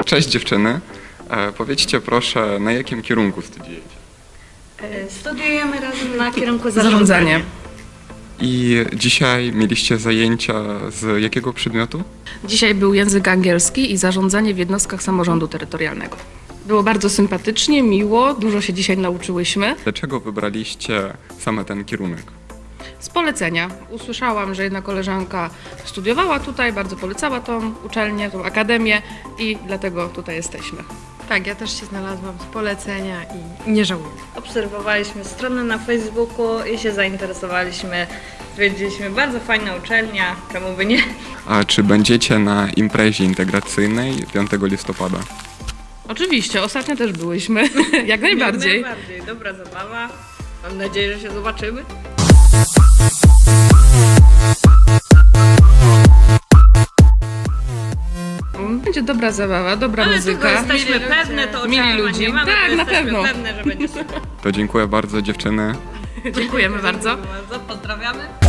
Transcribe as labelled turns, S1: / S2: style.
S1: Cześć dziewczyny. Powiedzcie proszę, na jakim kierunku studiujecie?
S2: Studiujemy razem na kierunku
S3: Zarządzanie.
S1: I dzisiaj mieliście zajęcia z jakiego przedmiotu?
S3: Dzisiaj był język angielski i zarządzanie w jednostkach samorządu terytorialnego. Było bardzo sympatycznie, miło, dużo się dzisiaj nauczyłyśmy.
S1: Dlaczego wybraliście same ten kierunek?
S3: Z polecenia. Usłyszałam, że jedna koleżanka studiowała tutaj, bardzo polecała tą uczelnię, tą akademię i dlatego tutaj jesteśmy.
S4: Tak, ja też się znalazłam z polecenia i nie żałuję.
S2: Obserwowaliśmy stronę na Facebooku i się zainteresowaliśmy. Stwierdziliśmy, bardzo fajna uczelnia, czemu by nie?
S1: A czy będziecie na imprezie integracyjnej 5 listopada?
S3: Oczywiście, ostatnio też byłyśmy, jak najbardziej.
S2: Najbardziej, dobra zabawa. Mam nadzieję, że się zobaczymy.
S3: Będzie dobra zabawa, dobra
S2: Ale
S3: muzyka.
S2: tego jesteśmy pewne, to
S3: Mili
S2: oczekiwań
S3: ludzi.
S2: nie mamy,
S3: Tak,
S2: to
S3: na
S2: jesteśmy
S3: pewno.
S2: pewne, że będzie super.
S1: To dziękuję bardzo dziewczyny.
S3: Dziękujemy bardzo.
S2: Dziękuję bardzo, pozdrawiamy.